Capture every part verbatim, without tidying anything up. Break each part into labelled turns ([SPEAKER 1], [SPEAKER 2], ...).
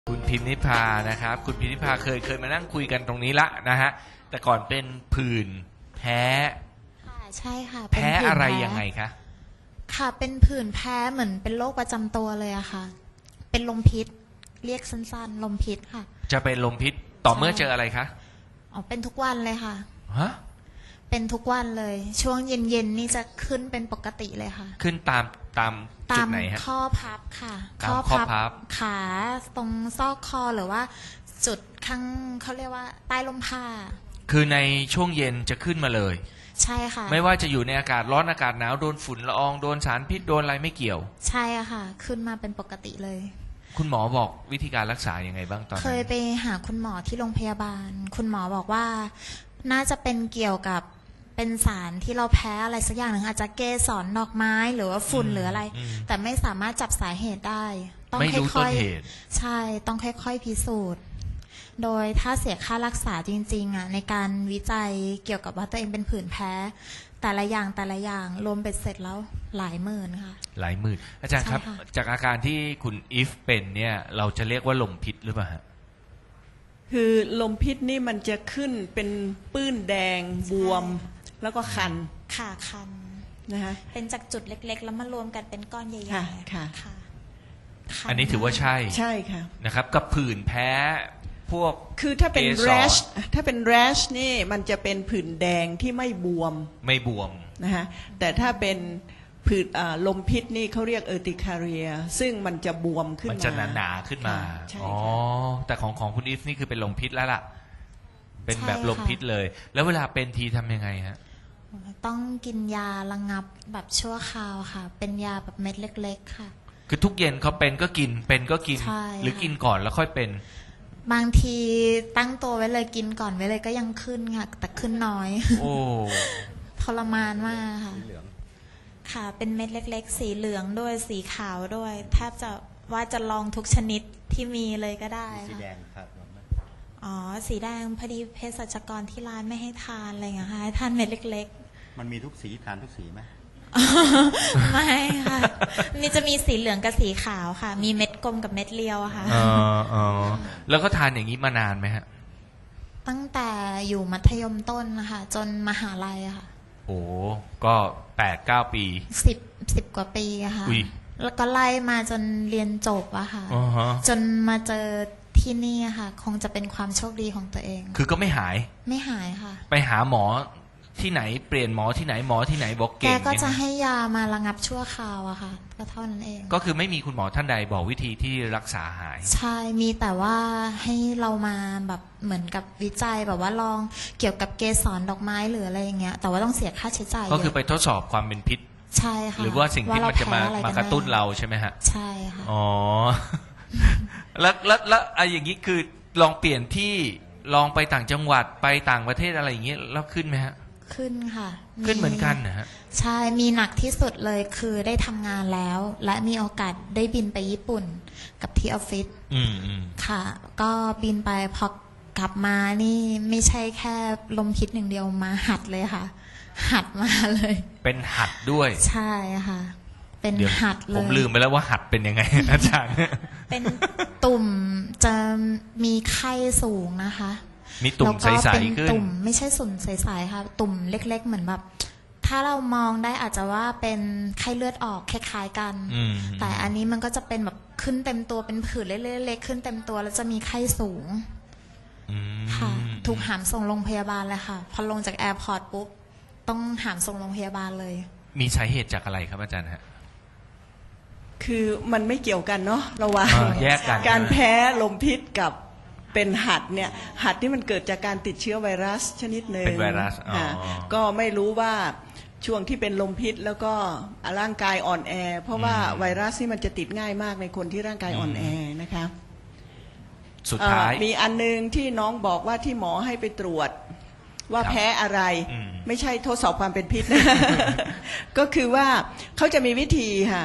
[SPEAKER 1] คุณพิมนิพานะครับคุณพิมนิพาเคยเคยมานั่งคุยกันตรงนี้ละนะฮะแต่ก่อนเป็นผื่นแพ้
[SPEAKER 2] ค่ะใช่ค่ะ
[SPEAKER 1] แพ้อะไรยังไงคะ
[SPEAKER 2] ค่ะเป็นผื่นแพ้เหมือนเป็นโรคประจำตัวเลยอะค่ะเป็นลมพิษเรียกสั้นๆลมพิษค่ะ
[SPEAKER 1] จะเป็นลมพิษต่อเมื่อเจออะไรคะ
[SPEAKER 2] อ๋อเป็นทุกวันเลยค่ะ
[SPEAKER 1] ฮะ
[SPEAKER 2] เป็นทุกวันเลยช่วงเย็นๆนี่จะขึ้นเป็นปกติเลยค่ะ
[SPEAKER 1] ขึ้นตามตามจุดไหนฮะ
[SPEAKER 2] ข้อพับค่ะ
[SPEAKER 1] ข้อพับ
[SPEAKER 2] ขาตรงซอกคอหรือว่าจุดข้างเขาเรียกว่าใต้ลมผ้า
[SPEAKER 1] คือในช่วงเย็นจะขึ้นมาเลย
[SPEAKER 2] ใช่ค่ะ
[SPEAKER 1] ไม่ว่าจะอยู่ในอากาศร้อนอากาศหนาวโดนฝุ่นละอองโดนสารพิษโดนอะไรไม่เกี่ยว
[SPEAKER 2] ใช่ค่ะขึ้นมาเป็นปกติเลย
[SPEAKER 1] คุณหมอบอกวิธีการรักษายังไงบ้างตอนนั้น
[SPEAKER 2] เคยไปหาคุณหมอที่โรงพยาบาลคุณหมอบอกว่าน่าจะเป็นเกี่ยวกับเป็นสารที่เราแพ้อะไรสักอย่างหนึ่งอาจจะเกสรดอกไม้หรือว่าฝุ่นหรืออะไรแต่ไม่สามารถจับสาเหตุได้
[SPEAKER 1] ต้องค่อย
[SPEAKER 2] ๆใช่ต้องค่อยๆพิสูจน์โดยถ้าเสียค่ารักษาจริงๆอ่ะในการวิจัยเกี่ยวกับว่าตัวเองเป็นผื่นแพ้แต่ละอย่างแต่ละอย่างรวมเป็นเสร็จแล้วหลายหมื่นค่ะ
[SPEAKER 1] หลายหมื่นอาจารย์ครับจากอาการที่คุณอีฟเป็นเนี่ยเราจะเรียกว่าลมพิษหรือเปล่าฮะ
[SPEAKER 3] คือลมพิษนี่มันจะขึ้นเป็นปื้นแดงบวมแล้วก็คัน
[SPEAKER 2] ค่ะคัน
[SPEAKER 3] นะคะ
[SPEAKER 2] เป็นจากจุดเล็กๆแล้วมารวมกันเป็นก้อนใหญ่ๆ
[SPEAKER 3] ค่ะค่ะ
[SPEAKER 2] ค่ะ
[SPEAKER 1] อันนี้ถือว่าใช่
[SPEAKER 3] ใช่ค่ะ
[SPEAKER 1] นะครับกับผื่นแพ้พวก
[SPEAKER 3] คือถ้าเป็น rash ถ้าเป็น rash นี่มันจะเป็นผื่นแดงที่ไม่บวม
[SPEAKER 1] ไม่บวม
[SPEAKER 3] นะคะแต่ถ้าเป็นผื่นลมพิษนี่เขาเรียกเออติคาเรียซึ่งมันจะบวมขึ้นมา
[SPEAKER 1] มันจะหนาๆขึ้นมาอ๋อแต่ของของคุณอีฟนี่คือเป็นลมพิษแล้วล่ะเป็นแบบลมพิษเลยแล้วเวลาเป็นทีทำยังไงฮะ
[SPEAKER 2] ต้องกินยาระงับแบบชั่วคราวค่ะเป็นยาแบบเม็ดเล็กๆค่ะ
[SPEAKER 1] คือทุกเย็นเขาเป็นก็กินเป็นก็กินหรือกินก่อนแล้วค่อยเป็น
[SPEAKER 2] บางทีตั้งตัวไว้เลยกินก่อนไว้เลยก็ยังขึ้นค่ะแต่ขึ้นน้อย
[SPEAKER 1] โอ้
[SPEAKER 2] ทรมานมากค่ะค่ะเป็นเม็ดเล็กๆสีเหลืองด้วยสีขาวด้วยแทบจะว่าจะลองทุกชนิดที่มีเลยก็ได้
[SPEAKER 4] สีแดงครับ
[SPEAKER 2] อ๋อสีแดงพอดีเภสัชกรที่ร้านไม่ให้ทานอะไรอย่างเงี้ยค่ะให้ทานเม็ดเล็ก
[SPEAKER 4] ๆมันมีทุกสีทานทุกสีไหม
[SPEAKER 2] ไม่ค่ะนี่จะมีสีเหลืองกับสีขาวค่ะมีเม็ดกลมกับเม็ดเรียวอะค่ะ
[SPEAKER 1] อ๋ออ๋อแล้วก็ทานอย่างนี้มานานไหมฮะ
[SPEAKER 2] ตั้งแต่อยู่มัธยมต้นนะคะจนมหาลัยอะค่ะ
[SPEAKER 1] โอ้ก็แปดเก้าปี
[SPEAKER 2] สิบสิบกว่าปีอะค่ะแล้วก็ไล่มาจนเรียนจบอะค่ะจนมาเจอที่นี่ค่ะคงจะเป็นความโชคดีของตัวเอง
[SPEAKER 1] คือก็ไม่หาย
[SPEAKER 2] ไม่หายค่ะ
[SPEAKER 1] ไปหาหมอที่ไหนเปลี่ยนหมอที่ไหนหมอที่ไหนบอกเก่งแก
[SPEAKER 2] ก็จะให้ยามาระงับชั่วคราวอะค่ะก็เท่านั้นเอง
[SPEAKER 1] ก็คือไม่มีคุณหมอท่านใดบอกวิธีที่รักษาหาย
[SPEAKER 2] ใช่มีแต่ว่าให้เรามาแบบเหมือนกับวิจัยแบบว่าลองเกี่ยวกับเกสรดอกไม้หรืออะไรอย่างเงี้ยแต่ว่าต้องเสียค่าใช้จ่าย
[SPEAKER 1] ก็คือไปทดสอบความเป็นพิษ
[SPEAKER 2] ใช่ค่ะ
[SPEAKER 1] หรือว่าสิ่งที่มันจะมามากระตุ้นเราใช่ไหมฮะ
[SPEAKER 2] ใช่ค่ะ
[SPEAKER 1] อ๋อแล้วแล้วแล้วไอ้อย่างนี้คือลองเปลี่ยนที่ลองไปต่างจังหวัดไปต่างประเทศอะไรอย่างเงี้ยแล้วขึ้นไหมฮะ
[SPEAKER 2] ขึ้นค่ะ
[SPEAKER 1] ขึ้นเหมือนกันนะฮะ
[SPEAKER 2] ใช่มีหนักที่สุดเลยคือได้ทำงานแล้วและมีโอกาสได้บินไปญี่ปุ่นกับที่ออฟฟิศ
[SPEAKER 1] อืมอืม
[SPEAKER 2] ค่ะก็บินไปพอกลับมานี่ไม่ใช่แค่ลมพิษหนึ่งเดียวมาหัดเลยค่ะหัดมาเลย
[SPEAKER 1] เป็นหัดด้วย
[SPEAKER 2] ใช่ค่ะเป็นหัดเลย
[SPEAKER 1] ผมลืมไปแล้วว่าหัดเป็นยังไงอาจารย์
[SPEAKER 2] เป็นตุ่มจะมีไข้สูงนะคะ
[SPEAKER 1] มีตุ่มใสๆขึ้น
[SPEAKER 2] ตุ่มไม่ใช่สุ่มใสๆค่ะตุ่มเล็กๆเหมือนแบบถ้าเรามองได้อาจจะว่าเป็นไข้เลือดออกคล้ายๆกันแต่อันนี้มันก็จะเป็นแบบขึ้นเต็มตัวเป็นผื่นเล็กๆขึ้นเต็มตัวแล้วจะมีไข้สูงค่ะถูกหามส่งโรงพยาบาลเลยค่ะพอลงจากแอร์พอร์ตปุ๊บต้องหามส่งโรงพยาบาลเลย
[SPEAKER 1] มีสาเหตุจากอะไรครับอาจารย์ฮะ
[SPEAKER 3] คือมันไม่เกี่ยวกันเนาะระหว่าง
[SPEAKER 1] แยกกัน
[SPEAKER 3] การแพ้ลมพิษกับเป็นหัดเนี่ยหัดที่มันเกิดจากการติดเชื้อไวรัสชนิดหนึ่ง
[SPEAKER 1] เป็นไวรัส
[SPEAKER 3] ก็ไม่รู้ว่าช่วงที่เป็นลมพิษแล้วก็ร่างกายอ่อนแอเพราะว่าไวรัสนี่มันจะติดง่ายมากในคนที่ร่างกายอ่อนแอนะคะ
[SPEAKER 1] สุดท้าย
[SPEAKER 3] มีอันนึงที่น้องบอกว่าที่หมอให้ไปตรวจว่าแพ้อะไรไม่ใช่ทดสอบความเป็นพิษนะ ก็คือว่าเขาจะมีวิธีค่ะ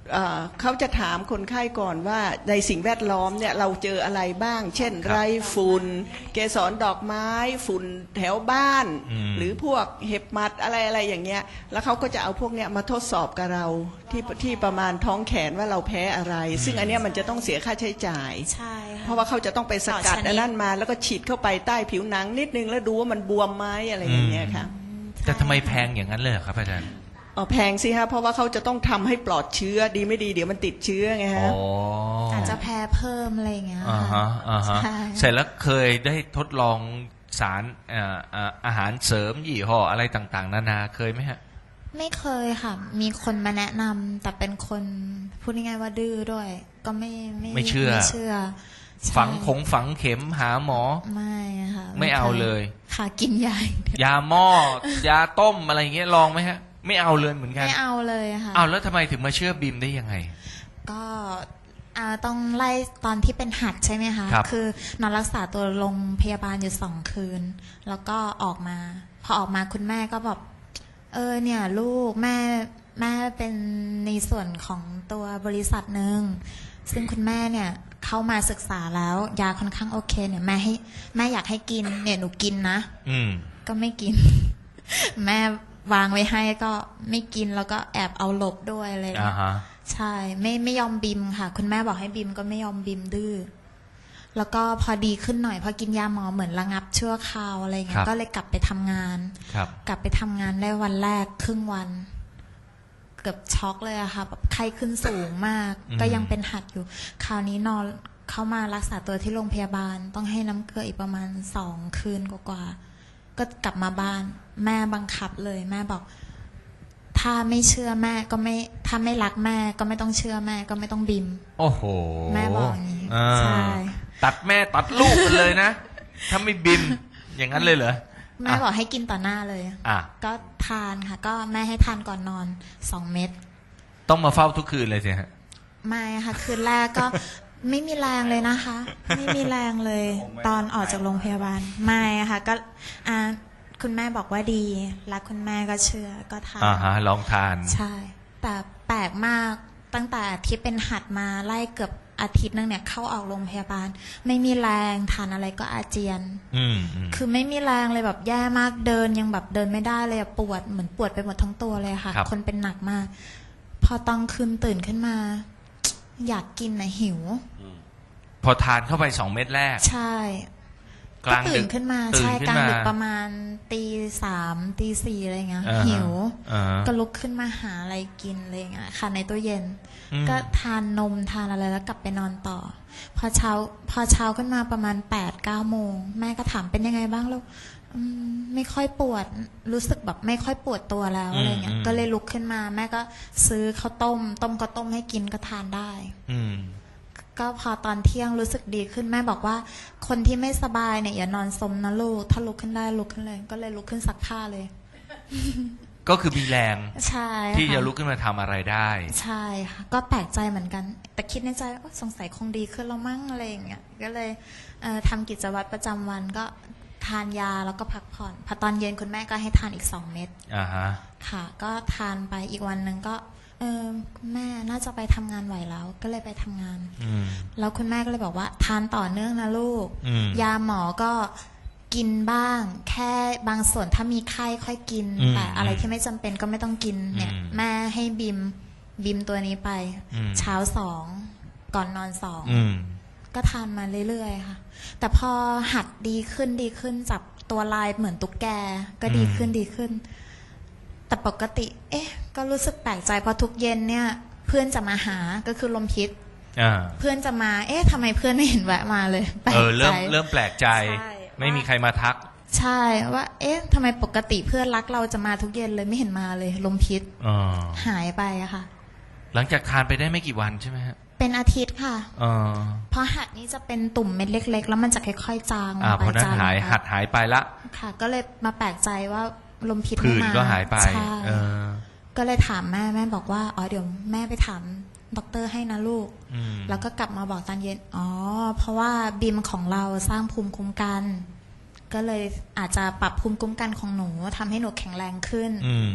[SPEAKER 3] เอ่อเขาจะถามคนไข้ก่อนว่าในสิ่งแวดล้อมเนี่ยเราเจออะไรบ้าง เช่น
[SPEAKER 1] ครับ
[SPEAKER 3] ไรฝุ่นเกสรดอกไม้ฝุ่นแถวบ้าน
[SPEAKER 1] อืม
[SPEAKER 3] หรือพวกเห็บหมัดอะไรอะไรอย่างเงี้ยแล้วเขาก็จะเอาพวกเนี้ยมาทดสอบกับเราที่ที่ประมาณท้องแขนว่าเราแพ้อะไร ซึ่งอันเนี้ยมันจะต้องเสียค่าใช้จ่าย
[SPEAKER 2] ใช่ค่ะ
[SPEAKER 3] เพราะว่าเขาจะต้องไปสกัด
[SPEAKER 2] ต่อชนิด
[SPEAKER 3] อันนั้นมาแล้วก็ฉีดเข้าไปใต้ผิวหนังนิดนึงแล้วดูว่ามันบวมไหมอะไรอย่างเงี้ยค่ะ
[SPEAKER 1] แต่ทำไมแพงอย่างนั้นเลยเหรอครับอาจารย์
[SPEAKER 3] อ๋อแพงสิฮะเพราะว่าเขาจะต้องทำให้ปลอดเชื้อดีไม่ดีเดี๋ยวมันติดเชื้อไง
[SPEAKER 1] อ๋
[SPEAKER 3] ฮะ
[SPEAKER 1] อ
[SPEAKER 2] อาจจะแพ้เพิ่มอะไรอย่างเงี้ย
[SPEAKER 1] อ่า
[SPEAKER 2] ค่ะ
[SPEAKER 1] ฮะอ่าฮะ
[SPEAKER 2] ใช่
[SPEAKER 1] เสร็จแล้วเคยได้ทดลองสารเอ่อเอ่ออาหารเสริมยี่ห้ออะไรต่างๆ นานาเคยไหมฮะ
[SPEAKER 2] ไม่เคยค่ะ มีคนมาแนะนำแต่เป็นคนพูดง่ายๆว่าดื้อด้วย ก็ไม่ไม่
[SPEAKER 1] ไม่เชื่อ
[SPEAKER 2] ไม่เชื่อใช่
[SPEAKER 1] ฝังคงฝังเข็มหาหมอ
[SPEAKER 2] ไม่ค่ะ
[SPEAKER 1] ไม่เอาเลย
[SPEAKER 2] ค่ะกินยาอย่างเดียวย
[SPEAKER 1] าหม้อยาต้มอะไรอย่างเงี้ยลองไหมฮะ ไม่เอาเลยเหมือนกัน
[SPEAKER 2] ไม่เอาเลยค่ะ
[SPEAKER 1] เอาแล้วทำไมถึงมาเชื่อบิมได้ยังไง
[SPEAKER 2] ก็อ่าต้องไล่ตอนที่เป็นหัดใช่ไหมคะ
[SPEAKER 1] ครับ
[SPEAKER 2] อนอนรักษาตัวโรงพยาบาลอยู่สองคืน แล้วก็ออกมา พอออกมาคุณแม่ก็บอกเออเนี่ยลูกแม่แม่เป็นในส่วนของตัวบริษัทหนึ่งซึ่งคุณแม่เนี่ยเข้ามาศึกษาแล้วยาค่อนข้างโอเคเนี่ยแม่ให้แม่อยากให้กินเนี่ยหนูกินนะ
[SPEAKER 1] อืม
[SPEAKER 2] ก็ไม่กิน แม่วางไว้ให้ก็ไม่กินแล้วก็แอบเอาหลบด้วยอะไรอย่าง
[SPEAKER 1] อ่า
[SPEAKER 2] เงี้ย
[SPEAKER 1] ฮะ
[SPEAKER 2] ใช่ไม่ไม่ยอมบิมค่ะ คุณแม่บอกให้บิมก็ไม่ยอมบิมดื้อแล้วก็พอดีขึ้นหน่อยพอกินยาหมอเหมือนระงับชั่วคราวอะไรเงี้
[SPEAKER 1] ครั
[SPEAKER 2] ย
[SPEAKER 1] บ
[SPEAKER 2] ก็เลยกลับไปทำงาน
[SPEAKER 1] ครับ
[SPEAKER 2] กลับไปทำงานได้วันแรกครึ่งวัน เกือบช็อกเลยอะค่ะแบบไข้ขึ้นสูงมาก ก็ยังเป็นหัดอยู่ คราวนี้นอนเข้ามารักษาตัวที่โรงพยาบาล ต้องให้น้ำเกลืออีกประมาณสองคืนกว่าๆก็กลับมาบ้าน แม่บังคับเลย แม่บอก ถ้าไม่เชื่อแม่ก็ไม่ถ้าไม่รักแม่ก็ไม่ต้องเชื่อแม่ก็ไม่ต้องบิม
[SPEAKER 1] โอ้โห
[SPEAKER 2] แม่บอกอย่างนี้
[SPEAKER 1] อ่า
[SPEAKER 2] ใช่
[SPEAKER 1] ตัดแม่ตัดลูกกันเลยนะ ถ้าไม่บิม อย่างนั้นเลยเหรอ
[SPEAKER 2] แม่บอกให้กินต่อหน้าเลย
[SPEAKER 1] อ่ะ
[SPEAKER 2] ก็ทานค่ะ ก็แม่ให้ทานก่อนนอนสองเม็ด
[SPEAKER 1] ต้องมาเฝ้าทุกคืนเลยสิฮะ
[SPEAKER 2] ไม่ค่ะ คืนแรกก็ ไม่มีแรงเลยนะคะ ไม่มีแรงเลย ตอนออกจากโรงพยาบาลไม่ค่ะ ก็อ่าคุณแม่บอกว่าดีรักคุณแม่ก็เชื่อก็ทาน
[SPEAKER 1] อ่าฮะ ลองทาน
[SPEAKER 2] ใช่ แต่แปลกมากตั้งแต่ที่เป็นหัดมาไล่เกือบอาทิตย์นึงเนี่ยเข้าออกโรงพยาบาล ไม่มีแรงทานอะไรก็อาเจียน
[SPEAKER 1] อืมอืม
[SPEAKER 2] คือไม่มีแรงเลยแบบแย่มากเดินยังแบบเดินไม่ได้เลยอะปวดเหมือนปวดไปหมดทั้งตัวเลยค่ะ
[SPEAKER 1] ครับ
[SPEAKER 2] คนเป็นหนักมาก พอตอนคืนตื่นขึ้นมา อยากกินนะหิว
[SPEAKER 1] พอทานเข้าไปสองเม็ดแรก
[SPEAKER 2] ใช่
[SPEAKER 1] กลาง
[SPEAKER 2] ตื่
[SPEAKER 1] ดึ
[SPEAKER 2] น
[SPEAKER 1] ก
[SPEAKER 2] ขึ้นมา
[SPEAKER 1] ตื่น
[SPEAKER 2] ใช่
[SPEAKER 1] ขึ้น
[SPEAKER 2] กลาง
[SPEAKER 1] มา
[SPEAKER 2] ดึกประมาณตีสามตีสี่อะไรเงี้ย
[SPEAKER 1] อ่าฮะ
[SPEAKER 2] หิว
[SPEAKER 1] อ่าฮะ
[SPEAKER 2] ก็ลุกขึ้นมาหาอะไรกินอะไรอย่างเงี้ยค่ะในตู้เย็น
[SPEAKER 1] อืม
[SPEAKER 2] ก็ทานนมทานอะไรแล้วกลับไปนอนต่อ พอเช้าพอเช้าขึ้นมาประมาณแปดเก้าโมงแม่ก็ถามเป็นยังไงบ้างลูกอืมไม่ค่อยปวดรู้สึกแบบไม่ค่อยปวดตัวแล้วอะไรเงี้ยก็เลยลุกขึ้นมาแม่ก็ซื้อข้าวต้ม ต้มข้าวต้มให้กินก็ทานได้
[SPEAKER 1] อืม
[SPEAKER 2] ก็พอตอนเที่ยงรู้สึกดีขึ้นแม่บอกว่า คนที่ไม่สบายเนี่ยอย่านอนสมนะลูกถ้าลุกขึ้นได้ลุกขึ้นเลย ก็เลยลุกขึ้นซักผ้าเลย
[SPEAKER 1] ก็คือมีแรง
[SPEAKER 2] ใช่
[SPEAKER 1] ที่
[SPEAKER 2] ค่
[SPEAKER 1] จะลุกขึ้นมาทำอะไรได้
[SPEAKER 2] ใช่ค่ะก็แปลกใจเหมือนกัน แต่คิดในใจว่าสงสัยคงดีขึ้นแล้วมั้งอะไรอย่างเงี้ยก็เลยเอ่อทำกิจวัตรประจำวันก็ทานยาแล้วก็พักผ่อนพอตอนเย็นคุณแม่ก็ให้ทานอีกสองเม็ด
[SPEAKER 1] อ่าฮะ
[SPEAKER 2] ค่ะ ก็ทานไปอีกวันหนึ่งก็เออคุณแม่น่าจะไปทำงานไหวแล้ว ก็เลยไปทำงาน
[SPEAKER 1] อืม
[SPEAKER 2] แล้วคุณแม่ก็เลยบอกว่าทานต่อเนื่องนะลูก
[SPEAKER 1] อืม
[SPEAKER 2] ยาหมอก็กินบ้าง แค่บางส่วนถ้ามีไข้ค่อยกิน
[SPEAKER 1] อืม
[SPEAKER 2] แต่อะไรที่ไม่จำเป็นก็ไม่ต้องกินเนี่ย
[SPEAKER 1] อืม
[SPEAKER 2] แม่ให้บิมบิมตัวนี้ไป
[SPEAKER 1] อืม
[SPEAKER 2] เช้าสองก่อนนอนสอง
[SPEAKER 1] อืม
[SPEAKER 2] ก็ทานมาเรื่อยๆค่ะ แต่พอหัดดีขึ้นดีขึ้นจับตัวลายเหมือนตุ๊กแกก็ดีขึ้นดีขึ้น แต่ปกติ เอ๊ะ ก็รู้สึกแปลกใจเพราะทุกเย็นเนี่ย เพื่อนจะมาหาก็คือลมพิษ
[SPEAKER 1] อ่า
[SPEAKER 2] เพื่อนจะมา เอ๊ะทำไมเพื่อนไม่เห็นแวะมาเลยแปลก
[SPEAKER 1] เออ เริ่ม
[SPEAKER 2] ใจ
[SPEAKER 1] เริ่มแปลกใจ
[SPEAKER 2] ใช่
[SPEAKER 1] ไม่มีใครมาทัก
[SPEAKER 2] ใช่ว่า เอ๊ะทำไมปกติเพื่อนรักเราจะมาทุกเย็นเลยไม่เห็นมาเลยลมพิษ
[SPEAKER 1] อ๋อ
[SPEAKER 2] หายไปอะค่ะ
[SPEAKER 1] หลังจากทานไปได้ไม่กี่วันใช่ไหมฮะ
[SPEAKER 2] เป็นอาทิตย์ค่ะ
[SPEAKER 1] เออ
[SPEAKER 2] เพราะหัดนี้จะเป็นตุ่มเม็ดเล็ก ๆ แล้วมันจะค่อยๆจาง
[SPEAKER 1] อ่า
[SPEAKER 2] ไป
[SPEAKER 1] เพราะนั้น
[SPEAKER 2] จาง
[SPEAKER 1] หาย
[SPEAKER 2] ไป
[SPEAKER 1] หัดหายไปละ
[SPEAKER 2] ค่ะ ก็เลยมาแปลกใจว่าลมพิษ
[SPEAKER 1] ผื่
[SPEAKER 2] ไม่
[SPEAKER 1] น
[SPEAKER 2] มา
[SPEAKER 1] ก็หายไป
[SPEAKER 2] ใช่
[SPEAKER 1] เออ
[SPEAKER 2] ก็เลยถามแม่แม่บอกว่าอ๋อเดี๋ยวแม่ไปถามด็อกเตอร์ให้นะลูก
[SPEAKER 1] อืม
[SPEAKER 2] แล้วก็กลับมาบอกตอนเย็นอ๋อเพราะว่าบิมของเราสร้างภูมิคุ้มกัน ก็เลยอาจจะปรับภูมิคุ้มกันของหนูทำให้หนูแข็งแรงขึ้น
[SPEAKER 1] อืม
[SPEAKER 2] ก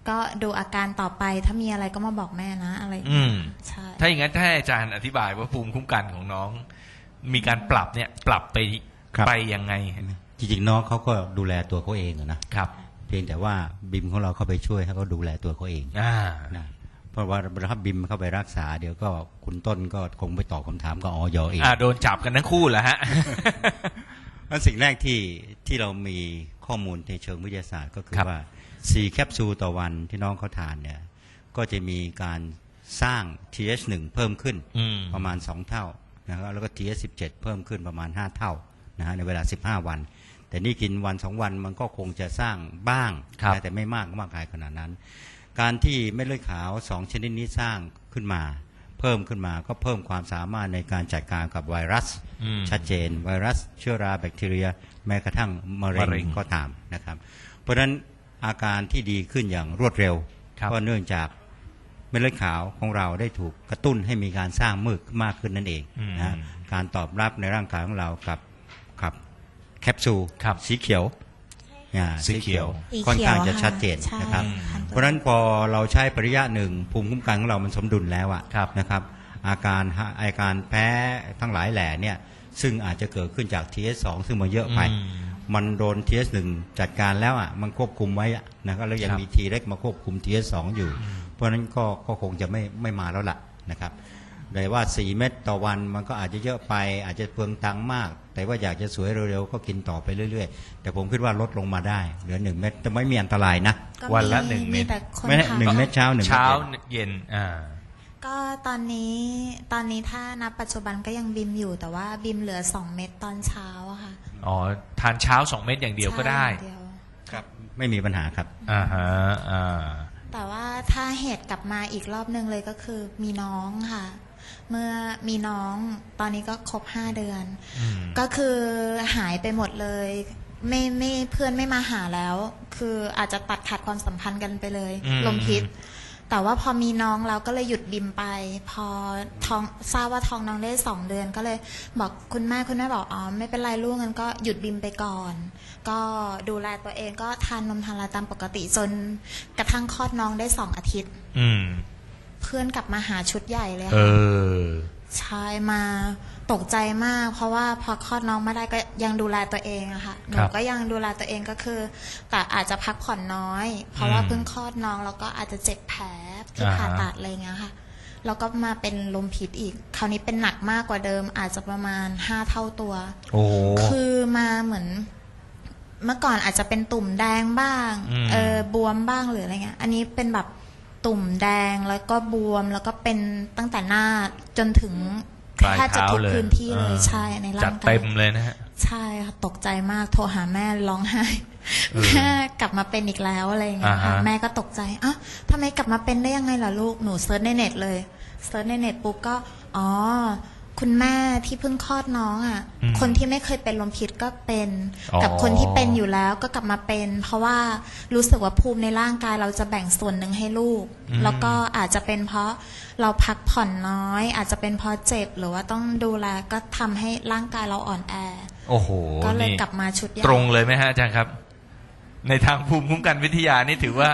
[SPEAKER 2] ก็ดูอาการต่อไปถ้ามีอะไรก็มาบอกแม่นะอะไรอย่าง
[SPEAKER 1] อื
[SPEAKER 2] เงี้ย
[SPEAKER 1] ม
[SPEAKER 2] ใช่
[SPEAKER 1] ถ้าอย่างนั้นถ้าให้อาจารย์อธิบายว่าภูมิคุ้มกันของน้อง มีการปรับเนี่ยปรับไป
[SPEAKER 4] ครับ
[SPEAKER 1] ไปยังไง
[SPEAKER 4] จริงๆน้องเขาก็ดูแลตัวเขาเองอะนะครับ เพียงแต่ว่าบิมของเราเข้าไปช่วยให้เขาดูแลตัวเขาเอง
[SPEAKER 1] อ่า
[SPEAKER 4] นะเพราะว่าถ้าบิมเข้าไปรักษาเดี๋ยวก็คุณต้นก็คงไปตอบคำถามกับออยเอง
[SPEAKER 1] อ่าโดนจับกันทั้งคู่แหละฮะ
[SPEAKER 4] เพราะสิ่งแรกที่ที่เรามีข้อมูลในเชิงวิทยาศาสตร์ก็คือ
[SPEAKER 1] ครับ
[SPEAKER 4] ว่าสี่แคปซูลต่อวันที่น้องเขาทานเนี่ยก็จะมีการสร้าง ที เอช หนึ่ง เพิ่มขึ้น
[SPEAKER 1] อืม
[SPEAKER 4] ประมาณสองเท่านะครับแล้วก็ ที เอช สิบเจ็ด เพิ่มขึ้นประมาณห้าเท่านะฮะในเวลาสิบห้าวัน แต่นี่กินวันสองวันมันก็คงจะสร้างบ้าง
[SPEAKER 1] ครับ
[SPEAKER 4] นะแต่ไม่มากมากมายขนาดนั้น การที่เม็ดเลือดขาวสองชนิดนี้สร้างขึ้นมา เพิ่มขึ้นมาก็เพิ่มความสามารถในการจัดการกับไวรัส
[SPEAKER 1] อืม
[SPEAKER 4] ชัดเจนไวรัสเชื้อราแบคทีเรีย แม้กระทั่งมะเร็
[SPEAKER 1] มะเร็ง
[SPEAKER 4] งก็ตามนะครับ เพราะฉะนั้นอาการที่ดีขึ้นอย่างรวดเร็ว
[SPEAKER 1] ครับ
[SPEAKER 4] ก็เนื่องจากเม็ดเลือดขาวของเราได้ถูกกระตุ้นให้มีการสร้างมึกมากขึ้นนั่นเอง
[SPEAKER 1] อืม
[SPEAKER 4] นะฮะการตอบรับในร่างกายของเรากับกับแคปซูล
[SPEAKER 1] ครับ
[SPEAKER 4] สีเขียวอ่า
[SPEAKER 1] สีเขียว
[SPEAKER 2] สีเขียว
[SPEAKER 4] ค่อนข้างจะ
[SPEAKER 2] ค่ะ
[SPEAKER 4] ชัดเจน
[SPEAKER 2] ใช่
[SPEAKER 4] นะครับ
[SPEAKER 2] ค่ะ
[SPEAKER 4] เพราะฉะนั้นพอเราใช้ปริยะหนึ่งภูมิคุ้มกันของเรามันสมดุลแล้วอะ
[SPEAKER 1] ครับ
[SPEAKER 4] นะครับอาการอาการแพ้ทั้งหลายแหล่เนี่ยซึ่งอาจจะเกิดขึ้นจาก ที เอช สอง ซึ่งมันเยอะไป
[SPEAKER 1] อืม
[SPEAKER 4] มันโดน ที เอช หนึ่ง จัดการแล้วอ่ะมันควบคุมไว้อะนะครับแล้วยัง
[SPEAKER 1] ครับ
[SPEAKER 4] มี T เล็กมาควบคุม ที เอช สอง อยู่ เพราะฉะนั้นก็ก็คงจะไม่ไม่มาแล้วล่ะนะครับแต่ว่าสี่เม็ดต่อวันมันก็อาจจะเยอะไปอาจจะเปลืองตังค์มาก แต่ว่าอยากจะสวยเร็วๆก็กินต่อไปเรื่อยๆ แต่ผมคิดว่าลดลงมาได้เหลือหนึ่งเม็ดแต่ไม่มีอันตรายนะ
[SPEAKER 2] ก็
[SPEAKER 1] วันละ
[SPEAKER 2] มี
[SPEAKER 1] หนึ่งเม็ด
[SPEAKER 2] แต่คน
[SPEAKER 4] ไม่ได้
[SPEAKER 2] ถาม
[SPEAKER 4] หนึ่งเม็ดเช้าหนึ่งเม็ด
[SPEAKER 1] เช้า
[SPEAKER 4] เย็น
[SPEAKER 1] เย็นอ่า
[SPEAKER 2] ก็ตอนนี้ตอนนี้ถ้านับปัจจุบันก็ยังบิมอยู่แต่ว่าบิมเหลือสองเม็ดตอนเช้าอะค่ะ
[SPEAKER 1] อ๋อทานเช้าสองเม็ดอย่างเดียวก็ได้
[SPEAKER 2] ใช่อย่างเดียว
[SPEAKER 4] ครับไม่มีปัญหาครับ
[SPEAKER 1] อ่าฮะอ่า
[SPEAKER 2] แต่ว่าถ้าเหตุกลับมาอีกรอบหนึ่งเลยก็คือมีน้องค่ะ เมื่อมีน้องตอนนี้ก็ครบห้าเดือน
[SPEAKER 1] อืม
[SPEAKER 2] ก็คือหายไปหมดเลย ไม่ไม่เพื่อนไม่มาหาแล้ว คืออาจจะตัดขาดความสัมพันธ์กันไปเลย
[SPEAKER 1] อืม
[SPEAKER 2] ลมพิษ แต่ว่าพอมีน้องเราก็เลยหยุดบิมไป พอท้องทราบว่าท้องน้องได้สองเดือน ก็เลยบอกคุณแม่คุณแม่บอกอ๋อไม่เป็นไรลูกงั้นก็หยุดบิมไปก่อน ก็ดูแลตัวเองก็ทานนมทานอะไรตามปกติจนกระทั่งคลอดน้องได้สองอาทิตย์
[SPEAKER 1] อืม
[SPEAKER 2] เพื่อนกลับมาหาชุดใหญ่เลย
[SPEAKER 1] เอ
[SPEAKER 2] ค่ะ
[SPEAKER 1] อ
[SPEAKER 2] ใช่มาตกใจมาก เพราะว่าพอคลอดน้องไม่ได้ก็ยังดูแลตัวเองอะค่ะหนู
[SPEAKER 1] ครับ
[SPEAKER 2] ก็ยังดูแลตัวเองก็คือ แต่อาจจะพักผ่อนน้อย เพราะว่า
[SPEAKER 1] อืม
[SPEAKER 2] เพิ่งคลอดน้องแล้วก็อาจจะเจ็บแผลที่
[SPEAKER 1] อ่าฮะ
[SPEAKER 2] ผ่าตัดอะไรเงี้ยค่ะแล้วก็มาเป็นลมพิษอีก คราวนี้เป็นหนักมากกว่าเดิม อาจจะประมาณห้าเท่าตัว
[SPEAKER 1] โอ้โห
[SPEAKER 2] คือมาเหมือน เมื่อก่อนอาจจะเป็นตุ่มแดงบ้าง
[SPEAKER 1] อืม
[SPEAKER 2] เออบวมบ้างหรืออะไรเงี้ย อันนี้เป็นแบบตุ่มแดงแล้วก็บวมแล้วก็เป็นตั้งแต่หน้าจนถึง
[SPEAKER 1] ปลาย
[SPEAKER 2] แทบจะ
[SPEAKER 1] เท้า
[SPEAKER 2] ทุก
[SPEAKER 1] เลย
[SPEAKER 2] พื้นที่เลย
[SPEAKER 1] อ่า
[SPEAKER 2] ใช่ใน
[SPEAKER 1] จั
[SPEAKER 2] ร่า
[SPEAKER 1] ด
[SPEAKER 2] งกาย
[SPEAKER 1] เต็มเลยนะฮะ
[SPEAKER 2] ใช่ค่ะตกใจมากโทรหาแม่ร้องไห้
[SPEAKER 1] เออ
[SPEAKER 2] แม่กลับมาเป็นอีกแล้วอะไรอย่างเงี้ยค่ะ
[SPEAKER 1] อ่าฮะ
[SPEAKER 2] แม่ก็ตกใจอ่ะทำไมกลับมาเป็นได้ยังไงล่ะลูกหนูเซิร์ชในเน็ตเลยเซิร์ชในเน็ตปุ๊บก็อ๋อคุณแม่ที่เพิ่งคลอดน้องอ่ะ
[SPEAKER 1] อืม
[SPEAKER 2] คนที่ไม่เคยเป็นลมพิษก็เป็น
[SPEAKER 1] อ๋อ
[SPEAKER 2] กับคนที่เป็นอยู่แล้วก็กลับมาเป็น เพราะว่ารู้สึกว่าภูมิในร่างกายเราจะแบ่งส่วนหนึ่งให้ลูก แล้วก็อาจจะเป็นเพราะเราพักผ่อนน้อย อาจจะเป็นเพราะเจ็บหรือว่าต้องดูแลก็ทำให้ร่างกายเราอ่อนแอ
[SPEAKER 1] โอ้โห
[SPEAKER 2] ก็เลย
[SPEAKER 1] นี่
[SPEAKER 2] กลับมาชุดใหญ่
[SPEAKER 1] ตรงเลยไหมฮะอาจารย์ครับ ในทางภูมิคุ้มกันวิทยานี่ถือว่า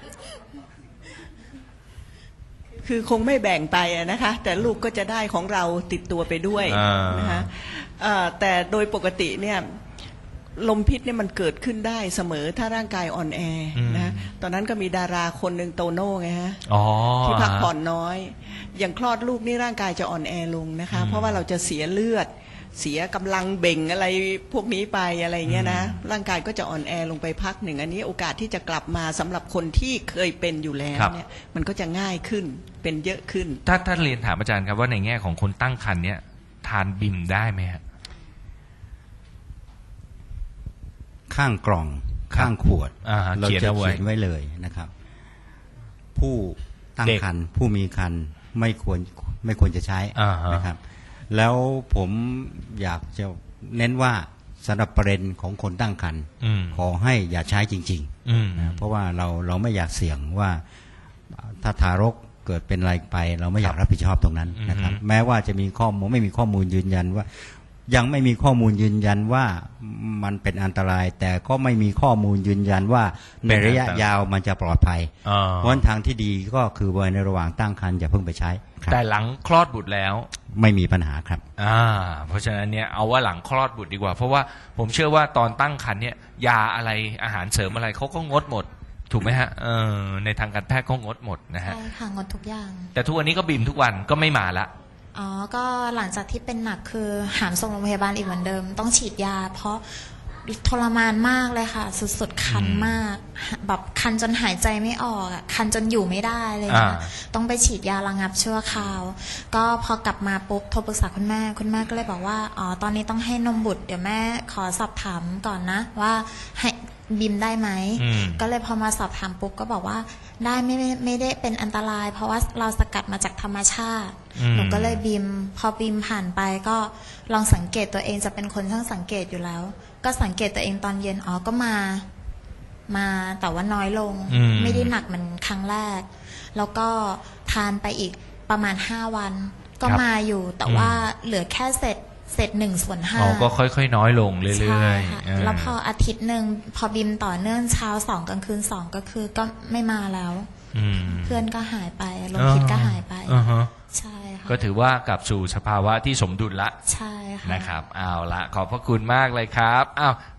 [SPEAKER 3] คือคงไม่แบ่งไปอะนะคะ แต่ลูกก็จะได้ของเราติดตัวไปด้วย
[SPEAKER 1] อ่าน
[SPEAKER 3] นะคะเอ่อแต่โดยปกติเนี่ยลมพิษเนี่ยมันเกิดขึ้นได้เสมอถ้าร่างกายอ่อนแอนะตอนนั้นก็มีดาราคนหนึ่งโตโน่ไงฮะ
[SPEAKER 1] อ๋อ
[SPEAKER 3] ที่พักผ่อนน้อย อย่างคลอดลูกนี่ร่างกายจะอ่อนแอลงนะคะ
[SPEAKER 1] อืม
[SPEAKER 3] เพราะว่าเราจะเสียเลือด เสียกำลังเบ่งอะไรพวกนี้ไปอะไรเงี้ยนะ
[SPEAKER 1] อืม
[SPEAKER 3] ร่างกายก็จะอ่อนแอลงไปพักหนึ่งอันนี้โอกาสที่จะกลับมาสำหรับคนที่เคยเป็นอยู่แล้ว
[SPEAKER 1] ครับ
[SPEAKER 3] เนี่ยมันก็จะง่ายขึ้นเป็นเยอะขึ้น
[SPEAKER 1] ถ้าถ้าเรียนถามอาจารย์ครับว่าในแง่ของคนตั้งครรภ์เนี่ยทานบิมได้ไหมฮะ
[SPEAKER 4] ข้างกล่อง
[SPEAKER 1] ครับ
[SPEAKER 4] ข้างขวด
[SPEAKER 1] อ่าฮะ
[SPEAKER 4] เรา
[SPEAKER 1] เขียน
[SPEAKER 4] จะ
[SPEAKER 1] เอาไว้
[SPEAKER 4] เขียนไว้เลยนะครับ ผู้ตั้ง
[SPEAKER 1] เด็ก
[SPEAKER 4] ครรภ์ผู้มีครรภ์ไม่ควรไม่ควรจะใช้
[SPEAKER 1] อ่าฮะ
[SPEAKER 4] นะครับ แล้วผมอยากจะเน้นว่าสำหรับประเด็นของคนตั้งครรภ์
[SPEAKER 1] อืม
[SPEAKER 4] ขอให้อย่าใช้จริง
[SPEAKER 1] อืม
[SPEAKER 4] ๆนะเพราะว่าเราเราไม่อยากเสี่ยงว่าถ้าทารกเกิดเป็นอะไรไป เราไม่อยากรับผิดชอบตรงนั้นนะครับ
[SPEAKER 1] อือฮึ
[SPEAKER 4] แม้ว่าจะมีข้อมูลไม่มีข้อมูลยืนยันว่ายังไม่มีข้อมูลยืนยันว่ามันเป็นอันตราย แต่ก็ไม่มีข้อมูลยืนยันว่าในระยะยาวมันจะปลอดภัย
[SPEAKER 1] อ่า
[SPEAKER 4] เพราะฉะนั้นทางที่ดีก็คือว่าในระหว่างตั้งครรภ์อย่าเพิ่งไปใช้ครับ
[SPEAKER 1] แต่หลังคลอดบุตรแล้ว
[SPEAKER 4] ไม่มีปัญหาครับ
[SPEAKER 1] อ่าเพราะฉะนั้นเนี่ยเอาว่าหลังคลอดบุตรดีกว่า เพราะว่าผมเชื่อว่าตอนตั้งครรภ์เนี่ยยาอะไรอาหารเสริมอะไรเขาก็งดหมดถูกไหมฮะเออในทางการแพทย์ก็งดหมดนะฮะ
[SPEAKER 2] ใช่ค่ะงดทุกอย่าง
[SPEAKER 1] แต่ทุกวันนี้ก็บีมทุกวันก็ไม่มาละ
[SPEAKER 2] อ๋อ ก็หลังจากที่เป็นหนักคือหามส่งโรงพยาบาลอีกเหมือนเดิม ต้องฉีดยา เพราะทรมานมากเลยค่ะ สุดๆคันมาก แบบคันจนหายใจไม่ออกอ่ะคันจนอยู่ไม่ได้เลยนะ
[SPEAKER 1] อ่า
[SPEAKER 2] ต้องไปฉีดยาระงับชั่วคราว ก็พอกลับมาปุ๊บโทรปรึกษาคุณแม่คุณแม่ก็เลยบอกว่าอ๋อตอนนี้ต้องให้นมบุตรเดี๋ยวแม่ขอสอบถามก่อนนะว่าให้บิมได้ไหม
[SPEAKER 1] อืม
[SPEAKER 2] ก็เลยพอมาสอบถามปุ๊บก็บอกว่าได้ไม่ไม่ไม่ได้เป็นอันตราย เพราะว่าเราสกัดมาจากธรรมชาติ
[SPEAKER 1] อืม
[SPEAKER 2] หนูก็เลยบีมพอบีมผ่านไปก็ลองสังเกตตัวเองจะเป็นคนช่างสังเกตอยู่แล้ว ก็สังเกตตัวเองตอนเย็นอ๋อก็มามาแต่ว่าน้อยลง
[SPEAKER 1] อืม
[SPEAKER 2] ไม่ได้หนักเหมือนครั้งแรก แล้วก็ทานไปอีกประมาณห้าวัน ก็
[SPEAKER 1] ครับ
[SPEAKER 2] มาอยู่แต่ว่าเหลือแค่เศษเศษหนึ่งส่วนห้า
[SPEAKER 1] อ๋อก็ค่อยๆน้อยลงเรื่
[SPEAKER 2] ใช่
[SPEAKER 1] อย
[SPEAKER 2] ค่ะ
[SPEAKER 1] ๆเออ
[SPEAKER 2] แล้วพออาทิตย์หนึ่งพอบิมต่อเนื่องเช้าสองกลางคืนสองก็คือก็ไม่มาแล้ว
[SPEAKER 1] อืม
[SPEAKER 2] เพื่อนก็หายไปลมพิษก็หายไป
[SPEAKER 1] อ่าฮะ
[SPEAKER 2] ใช่ค่ะ
[SPEAKER 1] ก็ถือว่ากลับสู่สภาวะที่สมดุลละ
[SPEAKER 2] ใช่ค่ะ
[SPEAKER 1] นะครับเอาละขอบพระคุณมากเลยครับอ้าว